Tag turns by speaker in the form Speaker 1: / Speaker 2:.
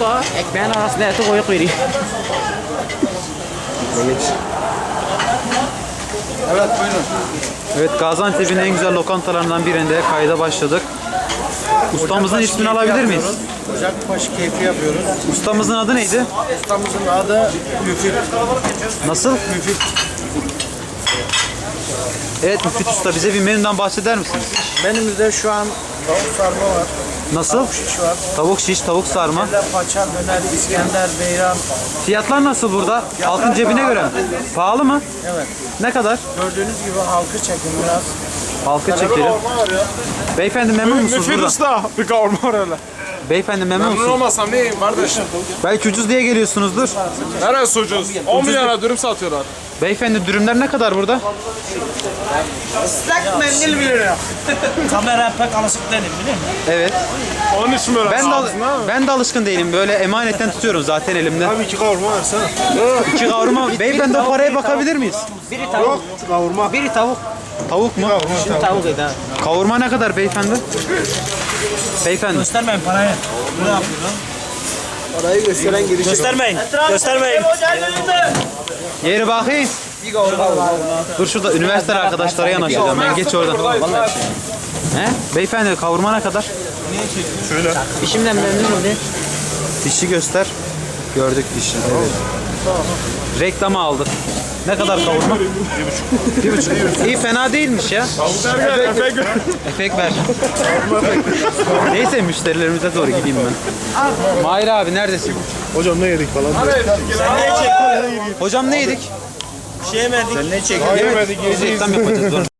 Speaker 1: da ekmeğin arasına eti koyup veriyor.
Speaker 2: Evet buyurun.
Speaker 3: Evet, Gaziantep'in en güzel lokantalarından birinde kayda başladık. Ustamızın ismini alabilir miyiz?
Speaker 2: Ocakbaşı keyfi yapıyoruz.
Speaker 3: Ustamızın adı neydi?
Speaker 2: Ustamızın adı Müfit.
Speaker 3: Nasıl?
Speaker 2: Müfit.
Speaker 3: Evet Müfit Usta, bize bir menüden bahseder misiniz?
Speaker 2: Menümüzde şu an tavuk sarma var.
Speaker 3: Nasıl?
Speaker 2: Tavuk şiş var.
Speaker 3: Tavuk şiş, tavuk sarma.
Speaker 2: Bir de paça, döner, İskender, beyran.
Speaker 3: Fiyatlar nasıl burada? Halkın cebine göre mi? Pahalı mı?
Speaker 2: Evet.
Speaker 3: Ne kadar?
Speaker 2: Gördüğünüz gibi halkı çekin biraz.
Speaker 3: Halka çekelim. Beyefendi memnun musunuz
Speaker 4: Müfit
Speaker 3: burada?
Speaker 4: Usta bir kavurma var öyle.
Speaker 3: Beyefendi memnun
Speaker 4: Memnun
Speaker 3: musunuz?
Speaker 4: olmasam neyim kardeşim?
Speaker 3: Belki ucuz diye geliyorsunuzdur.
Speaker 4: Neresi ucuz? 10 milyona dürüm satıyorlar.
Speaker 3: Beyefendi dürümler ne kadar burada?
Speaker 2: Islak mendil 1 lira. Kamera pek alışık değilim biliyor musun?
Speaker 3: Evet.
Speaker 4: Onun için böyle
Speaker 3: Ben de alışkın değilim. Böyle emanetten tutuyorum zaten elimde.
Speaker 4: Abi 2 kavurma versene.
Speaker 3: 2 kavurma. Beyefendi o paraya bakabilir miyiz?
Speaker 1: Biri tavuk.
Speaker 4: Kavurma.
Speaker 1: Biri tavuk.
Speaker 3: Tavuk mu?
Speaker 1: Şimdi tavuk edi ha.
Speaker 3: Kavurma ne kadar beyefendi? Beyefendi.
Speaker 2: Göstermeyin parayı. Ne yapıyorsun? Parayı gösteren girişi.
Speaker 1: Göstermeyin. Göstermeyin.
Speaker 3: Yeri bakayım. Dur şurada üniversite arkadaşlara yanaşacağım. Ben geç oradan. He? Beyefendi kavurma ne kadar?
Speaker 1: İşimden memnunum de.
Speaker 3: Dişi göster. Gördük dişi. Evet. Reklamı aldık. Ne kadar kavurma? 1,5. İyi, fena değilmiş ya. Efekt ver. Neyse müşterilerimize doğru gideyim ben. Mahir abi neredesin?
Speaker 4: Hocam ne yedik falan.
Speaker 3: Hocam ne yedik?
Speaker 2: Şey yemedik. Sen ne çekiyorsun?
Speaker 3: Yemedik. Biz reklam yapacağız. Dur.